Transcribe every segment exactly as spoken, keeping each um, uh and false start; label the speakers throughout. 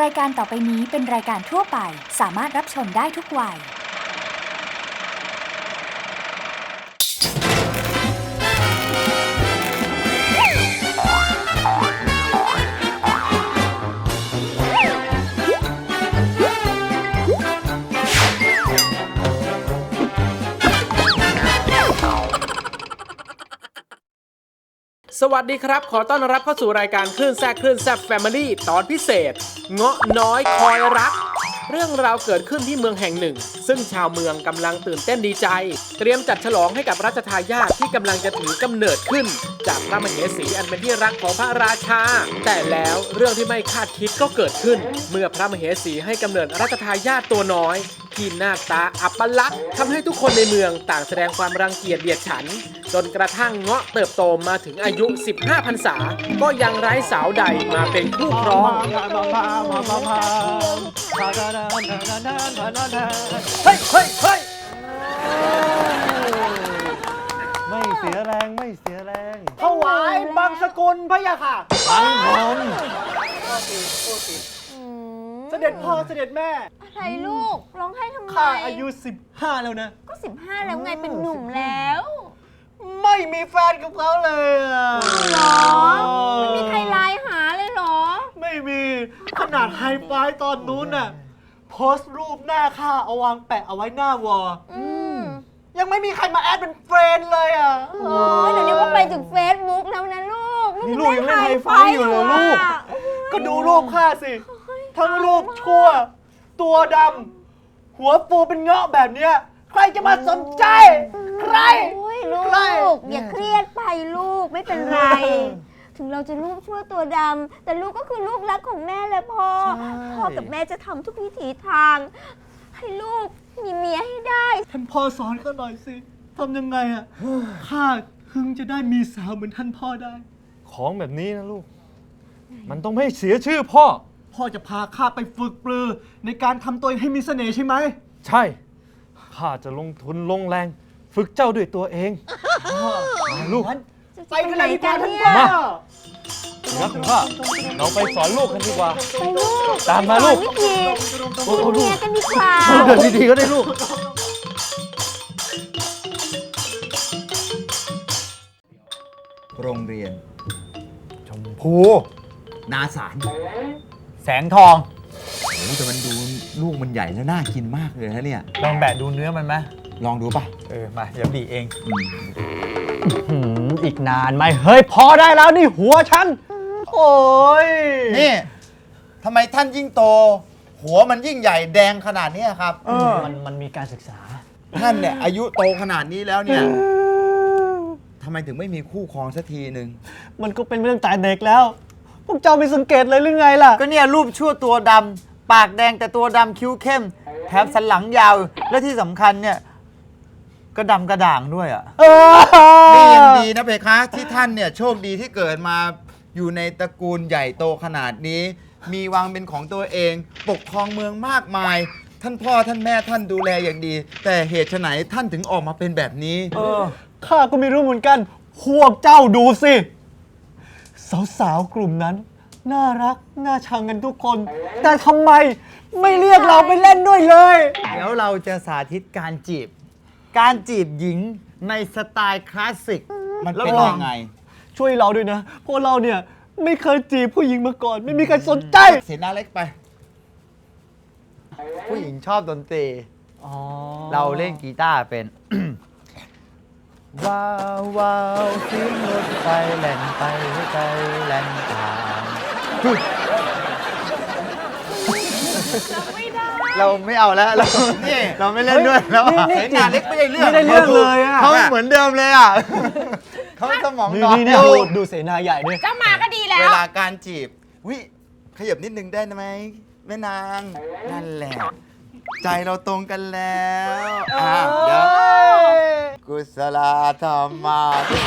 Speaker 1: รายการต่อไปนี้เป็นรายการทั่วไปสามารถรับชมได้ทุกวัย
Speaker 2: สวัสดีครับขอต้อนรับเข้าสู่รายการคลื่นแซ่บคลื่นแซ่บแฟมิลี่ตอนพิเศษเงาะน้อยคอยรักเรื่องราวเกิดขึ้นที่เมืองแห่งหนึ่งซึ่งชาวเมืองกำลังตื่นเต้นดีใจเตรียมจัดฉลองให้กับรัชทายาทที่กำลังจะถือกำเนิดขึ้นจากพระมเหสีอันเป็นที่รักของพระราชาแต่แล้วเรื่องที่ไม่คาดคิดก็เกิดขึ้นเมื่อพระมเหสีให้กำเนิดรัชทายาทตัวน้อยที่หน้าตาอัปลักษณ์ทำให้ทุกคนในเมืองต่างแสดงความรังเกียจเดียดฉันจนกระทั่งเงาะเติบโตมาถึงอายุสิบห้าพรรษาก็ยังไร้สาวใดมาเป็นคู่ครองเฮ้ยเฮ้ยเฮ้ย
Speaker 3: ไม่เสียแรงไม่เสียแรง
Speaker 4: ถวายบังสกุลพระยาค่ะ
Speaker 3: บังผม
Speaker 4: เสด็จพ่อเสด็จแม่
Speaker 5: อะไรลูกร้องไห้ทำไม
Speaker 4: ข้าอายุสิบห้าแล้วนะ
Speaker 5: ก็สิบห้าแล้วไงเป็นหนุ่มแล้ว
Speaker 4: ไม่มีแฟนกับเขาเลยอ่ะ
Speaker 5: หรอไม่มีใครไลน์หาเลยหรอ
Speaker 4: ไม่มีขนาดไฮไฟตอนนู้นน่ะโพสต์รูปหน้าข้าเอาวางแปะเอาไว้หน้าวอลยังไม่มีใครมาแอดเป็นเฟรนด์เลยอ่ะ
Speaker 5: โอ้ยเดี๋ยวนี้ก็ไปถึงเฟซบุ๊กแล้วนะลูก
Speaker 4: นี่ลูกยังเล่นไฮไฟอยู่เลยลูกก็ดูรูปข้าสิทั้งรูปชั่วตัวดำหัวฟูเป็นเงาะแบบเนี้ยใครจะมาสนใจใคร
Speaker 5: ลูกอย่าเครียดไปลูกไม่เป็นไรถึงเราจะลูกชั่วตัวดำแต่ลูกก็คือลูกรักของแม่และพ่อพ่อกับแม่จะทำทุกวิถีทางให้ลูกมีเมียให้ได้
Speaker 4: ท่านพ่อสอนข้าหน่อยสิทำยังไงอ่ะข้าถึงจะได้มีสาวเหมือนท่านพ่อได้
Speaker 3: ของแบบนี้นะลูกมันต้องไม่เสียชื่อพ่อ
Speaker 4: พ่อจะพาข้าไปฝึกปรือในการทำตัวให้มีเสน่ห์ใช่ไหม
Speaker 3: ใช่ข้าจะลงทุนลงแรงฝึกเจ้าด้วยตัวเองลูก
Speaker 4: ไปกันเลยดีกว่าท่านพ่อ
Speaker 3: รักของข้าเราไปสอนลูกกันดีกว่า
Speaker 5: ไปลูก
Speaker 3: ตามมาลูก
Speaker 5: วิธีมีเมียกันดีกว่า
Speaker 3: เดินดีๆก็ได้ลูก
Speaker 6: โรงเรียน
Speaker 3: ชมพู
Speaker 6: นาสาร
Speaker 3: แสงทอง
Speaker 6: โอ้แต่มันดูลูกมันใหญ่แล้วน่ากินมากเลยนะเนี่ย
Speaker 3: ลองแบะดูเนื้อมันไหม
Speaker 6: ลองดูป่ะ
Speaker 3: เออมาเดี๋ยวบีเองอีกนานไหมเฮ้ยพอได้แล้วนี่หัวฉันโอ้ย
Speaker 6: นี่ทำไมท่านยิ่งโตหัวมันยิ่งใหญ่แดงขนาดนี้ครับ
Speaker 3: มันมันมีการศึกษา
Speaker 6: ท่านเนี่ยอายุโตขนาดนี้แล้วเนี่ยทำไมถึงไม่มีคู่ครองสักทีหนึ่ง
Speaker 3: มันก็เป็นเรื่องแต่เด็กแล้วพวกเจ้าไม่สังเกตเลยหรือไงล่ะ
Speaker 6: ก็เนี่ยรูปชั่วตัวดำปากแดงแต่ตัวดำคิ้วเข้มแถมสันหลังยาวและที่สำคัญเนี่ยก็ดำกระด่างด้วยอ่ะนี่ยังดีนะเพคะที่ท่านเนี่ยโชคดีที่เกิดมาอยู่ในตระกูลใหญ่โตขนาดนี้มีวังเป็นของตัวเองปกครองเมืองมากมายท่านพ่อท่านแม่ท่านดูแลอย่างดีแต่เหตุไฉนท่านถึงออกมาเป็นแบบนี้
Speaker 3: เออข้าก็ไม่รู้เหมือนกันพวกเจ้าดูสิสาวๆกลุ่มนั้นน่ารักน่าชังกันทุกคนแต่ทำไมไม่เรียกเราไปเล่นด้วยเลย
Speaker 6: เดี๋ยวเราจะสาธิตการจีบการจีบหญิงในสไตล์คลาสสิกมันเป็นยังไง
Speaker 3: ช่วยเราด้วยนะเพราะเราเนี่ยไม่เคยจีบผู้หญิงมาก่อนไม่มีใครสนใจ
Speaker 6: เสียหน้าเล็กไปผู้หญิงชอบดนตรีเราเล่นกีตาร์เป็นว้าวว้าวเสียงรถไฟแล่นไปหัวใจแล่นตามเราไม่เอาแล้วเราเราไม่เล่นด้วยแล้วเสียหน้าเล็กไม่ได้เรื่อง
Speaker 3: ไม่ได้เรื่องเลยอ่ะ
Speaker 6: เขาเหมือนเดิมเลยอ่ะเขาสมองนอน
Speaker 3: ดูดูเสนาใหญ่ด้วย
Speaker 5: เจ้ามาก็ดีแล้ว
Speaker 6: เวลาการจีบวิขยับนิดนึงได้ไหมแม่นางนั่นแหละใจเราตรงกันแล้วอ่ะเดี๋ยวกุศลธรรมะ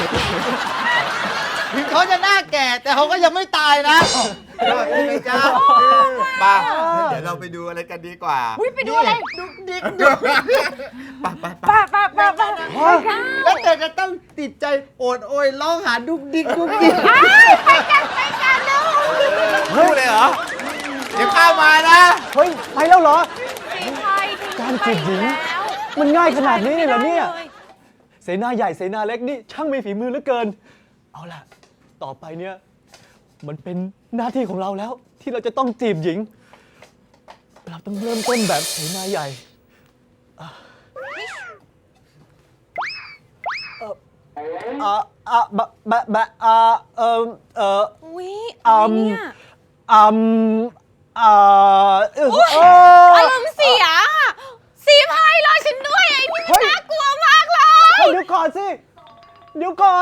Speaker 6: ถึงเขาจะหน้าแก่แต่เขาก็ยังไม่ตายนะพี่จ้าป่ะเดี๋ยวเราไปดูอะไรกันดีกว่า
Speaker 5: ไปดูอะไร
Speaker 6: ดุกดิกดุกป่ะป่ะ
Speaker 5: ป่ะป่ะป่ะป่ะ
Speaker 6: แล้วแต่จะต้องติดใจโอดโอยร้องหาดุกดิกดุกดิก
Speaker 5: ไปกันไปกันลูก
Speaker 6: พูดเลยเหรอเดี๋ยวข้ามา
Speaker 3: จีบหญิง มันง่ายขนาดนี้เลยเหรอเนี่ย เสนาใหญ่เสนาเล็กนี่ช่างมีฝีมือเหลือเกิน เอาล่ะ ต่อไปเนี่ยมันเป็นหน้าที่ของเราแล้ว ที่เราจะต้องจีบหญิง เราต้องเริ่มต้นแบบเสนาใหญ่อ่ะเอ่ออ่ะอ่ะบะบะบะอ่ะเอ่อเอ่อ
Speaker 7: อุ๊ย
Speaker 3: อื
Speaker 7: อะไร
Speaker 3: ม
Speaker 7: เนี่ย
Speaker 3: อืมอ่าเออเออ
Speaker 7: อารมณ์เสียสีพายรอฉันด้วยไอ้นี่มันน่ากลัวมากเลย
Speaker 3: เฮ้ยเดี๋ยวก่อนสิ เดี๋ยวก่อน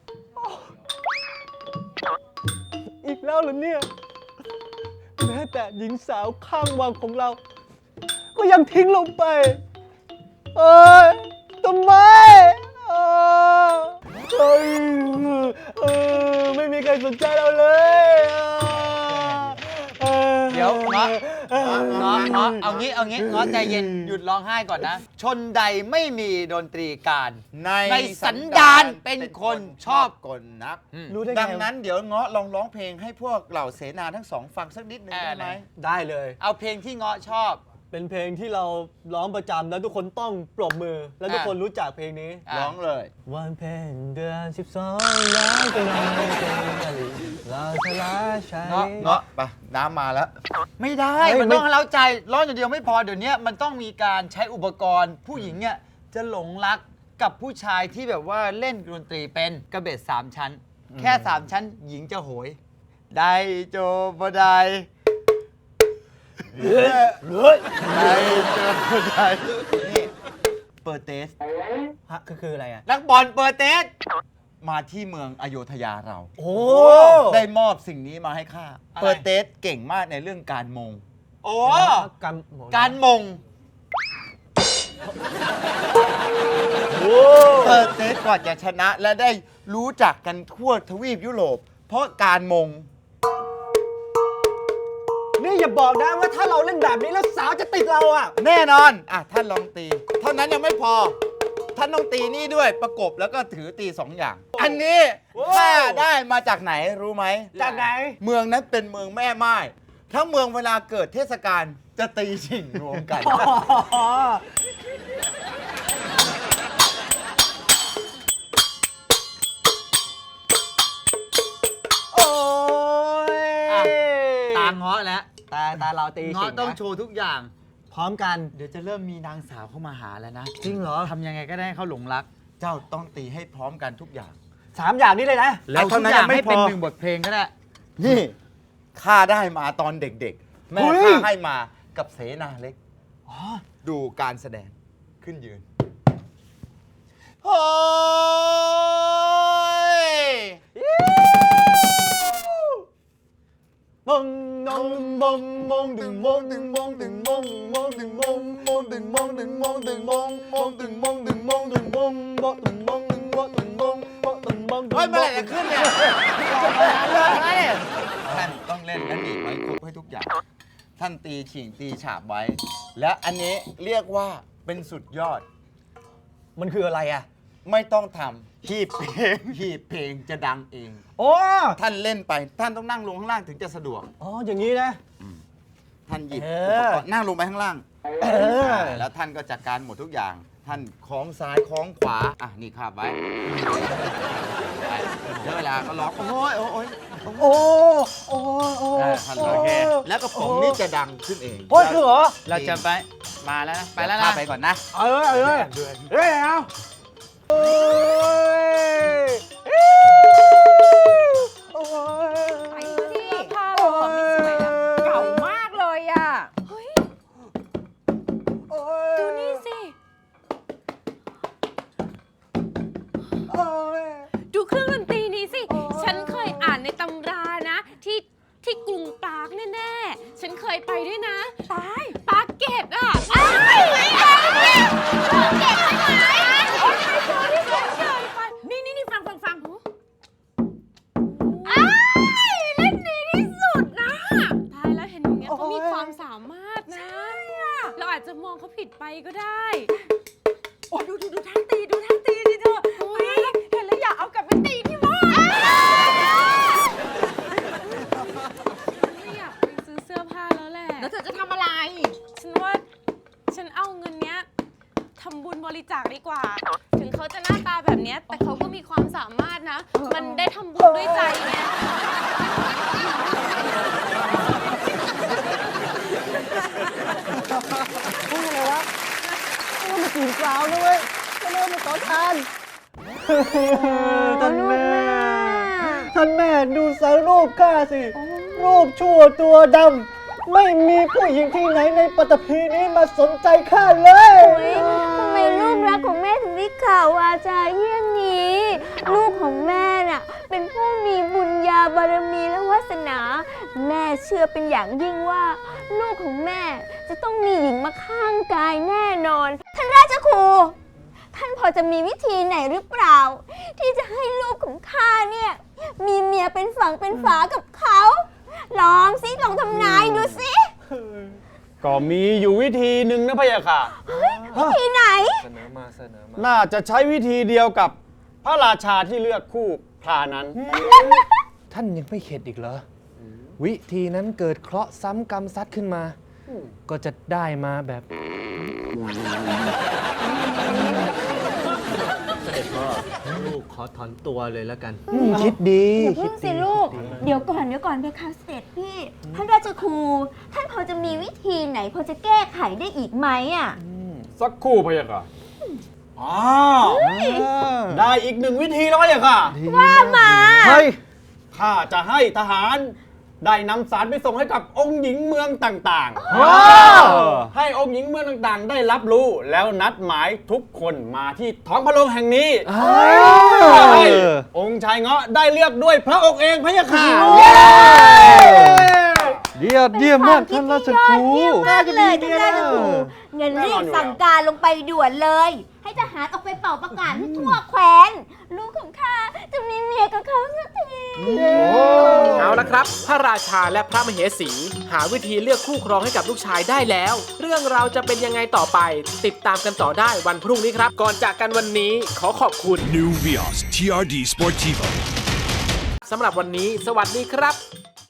Speaker 3: อีกแล้วเหรอเนี่ย แม้แต่หญิงสาวข้างวังของเรา ก็ยังทิ้งลงไป เอ้ยทำไมเออเอ้ยเออไม่มีใครสนใจเราเลยเออ
Speaker 6: เดี๋ยวเงาะเงาะเงาะเอางี้เอางี้เงาะใจเย็นหยุดร้องไห้ก่อนนะ ชนใดไม่มีดนตรีการ
Speaker 8: ใน
Speaker 6: ในสันดานเป็นคนชอบ
Speaker 8: กลนัก
Speaker 3: รู้ได้ไง
Speaker 8: ดังนั้นเดี๋ยวเงาะลองร้องเพลงให้พวกเหล่าเสนาทั้งสองฟังสักนิดหนึ่ง
Speaker 6: อ่า
Speaker 8: ได้ไหม
Speaker 6: ได้
Speaker 3: ได้เลย
Speaker 6: เอาเพลงที่เงาะชอบ
Speaker 3: เป็นเพลงที่เราร้องประจำแล้วทุกคนต้องปรบมือ แล้วทุกคนรู้จักเพลงนี้
Speaker 6: อ่ะ
Speaker 8: ร้องเลย
Speaker 3: วันเพ็ญเดือนสิบสองล้านเป็นวันเป็นกะลีเราชลาชัย
Speaker 6: เงาะ
Speaker 8: เงาะไปน้ำมาแล้ว
Speaker 6: ไม่ได้
Speaker 3: เฮ้ย
Speaker 6: มัน
Speaker 3: ไม่
Speaker 6: ต้องเล้าใจร้องอย่างเดียวไม่พอเดี๋ยวนี้มันต้องมีการใช้อุปกรณ์ ผู้หญิงเนี่ยจะหลงรักกับผู้ชายที่แบบว่าเล่นดนตรีเป็นกระเบ็ดสามชั้น แค่สามชั้นหญิงจะโหย ได้โจบไดได้โจบไดนี่เปิดเตส
Speaker 3: ฮะคือคืออะไรอ่ะ
Speaker 6: นักบอลเปิดเตส มาที่เมืองอโยธยาเรา
Speaker 3: โอ้
Speaker 6: ได้มอบสิ่งนี้มาให้ข้า เปิดเตสเก่งมากในเรื่องการมง โอ้
Speaker 3: การ
Speaker 6: การมง เปิดเตสก่อนจะชนะและได้รู้จักกันทั่วทวีปยุโรป เพราะการมง
Speaker 3: นี่อย่าบอกนะว่าถ้าเราเล่นแบบนี้แล้วสาวจะติดเราอ่ะ
Speaker 6: แน่นอน อ่ะ ท่านลองตี เท่านั้นยังไม่พอ ท่านต้องตีนี่ด้วยประกบแล้วก็ถือตีสองอย่าง อันนี้ข้าได้มาจากไหนรู้ไหม
Speaker 3: จากไหน
Speaker 6: เมืองนั้นเป็นเมืองแม่ไม้ทั้งเมืองเวลาเกิดเทศกาลจะตีชิงรวมกัน
Speaker 3: โอ้ย
Speaker 6: อ่ะ ตาเงาะแล้ว
Speaker 3: ตาตาเราตี
Speaker 6: เงาะต้องโชว์ทุกอย่าง
Speaker 3: พร้อมกัน
Speaker 6: เดี๋ยวจะเริ่มมีนางสาวเข้ามาหาแล้วนะ
Speaker 3: จริงเหรอ
Speaker 6: ทำยังไงก็ได้ให้เขาหลงรัก เจ้าต้องตีให้พร้อมกันทุกอย่าง
Speaker 3: สามอย่างนี้เลยนะ
Speaker 6: แล้วทุกอย่างให้เป็นหนึ่งบทเพลงก็ได้ นี่ข้าได้มาตอนเด็กๆ แม่
Speaker 3: เฮ้ย
Speaker 6: ข้าให้มากับเสนาเล็ก ดูการแสดงขึ้นยืนโอ้ย
Speaker 3: บงนงบงบงดึงบงดึงบงดึงบงบงดึงบงบงดึงบงดึงบงดึงบงบงดึงบงดึงบงดึงบงบงดึงบงดึงบงดึงบงบงดึงบง
Speaker 6: เฮ้ยเมื่อไหร่จะขึ้นเนี่ยท่านต้องเล่นและหนีบไว้ครบให้ทุกอย่าง ท่านตีฉิงตีฉาบไว้ และอันนี้เรียกว่าเป็นสุดยอด
Speaker 3: มันคืออะไรอ่ะ
Speaker 6: ไม่ต้องทำหีบเพลงหีบเพลงจะดังเอง
Speaker 3: โอ้
Speaker 6: ท่านเล่นไปท่านต้องนั่งลงข้างล่างถึงจะสะดวก
Speaker 3: อ๋ออย่างนี้นะ
Speaker 6: ท่านหยิบ
Speaker 3: เอ
Speaker 6: อุ
Speaker 3: อ
Speaker 6: ปกรณ์นั่งลงไปข้างล่าง
Speaker 3: เออ
Speaker 6: แล้วท่านก็จัดการหมดทุกอย่าง ท่านคล้องซ้ายคล้องขวา อ่ะ นี่คาบไว้ไปเดี๋ยวเวลาก็ร้องโอ้ยโอ้ย
Speaker 3: โอ้โอ้โอ้
Speaker 6: เออท่านร้องโอเคแล้วกระป๋องนี้จะดังขึ้นเอง
Speaker 3: โอ้ยคือเหรอ
Speaker 6: เราจะไปมาแล้วนะ ไปแล้วนะไปก่อนนะ
Speaker 3: เอาเลยเอาเลยเฮ้ยเอาโอ้ยโอ้ย
Speaker 7: ไปสิผ้าเราอะไม่สวยนะเก่ามากเลยอ่ะ เฮ้ย ดูนี่สิ ดูเครื่องดนตรีนี้สิ ฉันเคยอ่านในตำรานะ ที่ที่กรุงปรากแน่ๆ ฉันเคยไปด้วยนะตายปรากเกตอ่ะอ้ายไม่เอาเนี่ยปรากเกตไปไหนโอ้ยไม่พอที่ฉันเคยไป นี่นี่นี่ฟังฟังฟังหูอ้ายเล่นดีที่สุดนะตายแล้วเห็นอย่างเงี้ยเขามีความสามารถนะ เราอาจจะมองเขาผิดไปก็ได้ โอ้ดูดูดูท่าตีดูท่าตีดิเธอเห็นแล้วอยากเอากลับไปตีที่บ้านไม่อยากไปซื้อเสื้อผ้าแล้วแหละ
Speaker 5: แล้วเธอจะทำอะไร
Speaker 7: ฉันว่าฉันเอาเงินเนี้ยำบุญบริจาคดีกว่า ถึงเขาจะหน้าตาแบบเนี้ยแต่เขาก็มีความสามารถนะ มันได้ทำบุญด้วยใจไง
Speaker 3: พูดอะไรวะพูดมาจีบสาวด้วยก็เริ่มมาขอทานท่านแม่ ท่านแม่ดูสารรูปข้าสิ รูปชั่วตัวดำ ไม่มีผู้หญิงที่ไหนในปฐพีนี้มาสนใจข้าเลย
Speaker 5: โอ๊ยทำไมลูกรักของแม่ถึงได้ข่าววาจาเยี่ยงนี้ ลูกของแม่น่ะเป็นผู้มีบุญญาบารมีและวาสนา แม่เชื่อเป็นอย่างยิ่งว่า ลูกของแม่จะต้องมีหญิงมาข้างกายแน่นอน ท่านราชครู ท่านพอจะมีวิธีไหนหรือเปล่า ที่จะให้ลูกของข้าเนี่ยมีเมียเป็นฝั่งเป็นฝากับเขา ลองสิลองทำนายดูสิ
Speaker 3: ก็มีอยู่วิธีหนึ่งนะพะยะค่ะ
Speaker 5: วิธีไหน
Speaker 3: น่าจะใช้วิธีเดียวกับพระราชาที่เลือกคู่พรานั้น
Speaker 9: ท่านยังไม่เข็ดอีกเหรอ วิธีนั้นเกิดเคราะห์ซ้ำกรรมซัดขึ้นมา ก็จะได้มาแบบ
Speaker 3: ลูกขอถอนตัวเลยแล้วกัน
Speaker 9: คิดดี
Speaker 5: อย่าพึ่งสิลูก เดี๋ยวก่อนเดี๋ยวก่อนเพคะเสด็จพี่ ท่านราชครู ท่านพอจะมีวิธีไหนพอจะแก้ไขได้อีกไหมอ่ะ
Speaker 3: สักครู่พะยะค่ะอ้าวได้อีกหนึ่งวิธีแล้วพะยะค่ะ
Speaker 5: ว่ามา
Speaker 3: เฮ้ย ข้าจะให้ทหารได้นำสารไปส่งให้กับองค์หญิงเมืองต่างๆ ให้องค์หญิงเมืองต่างๆ ได้รับรู้แล้วนัดหมายทุกคนมาที่ท้องพระโรงแห่งนี้ให้องค์ชายเงาะได้เลือกด้วยพระองค์เองพะยะค่ะ
Speaker 9: เยี่ยมเยี่ยมมากท่านราชครู
Speaker 5: เยี่ยมมากเลยท่านราชครูเงินรีบสั่งการลงไปด่วนเลย ให้ทหารออกไปเป่าประกาศให้ทั่วแคว้น ลูกของข้าจะมีเมียกับเขาสักที
Speaker 2: เอาละครับ พระราชาและพระมเหสี หาวิธีเลือกคู่ครองให้กับลูกชายได้แล้ว เรื่องราวจะเป็นยังไงต่อไป ติดตามกันต่อได้วันพรุ่งนี้ครับ ก่อนจากกันวันนี้ขอขอบคุณ
Speaker 10: New Vios ที อาร์ ดี Sportivo
Speaker 2: สำหรับวันนี้ สวัสดีครับ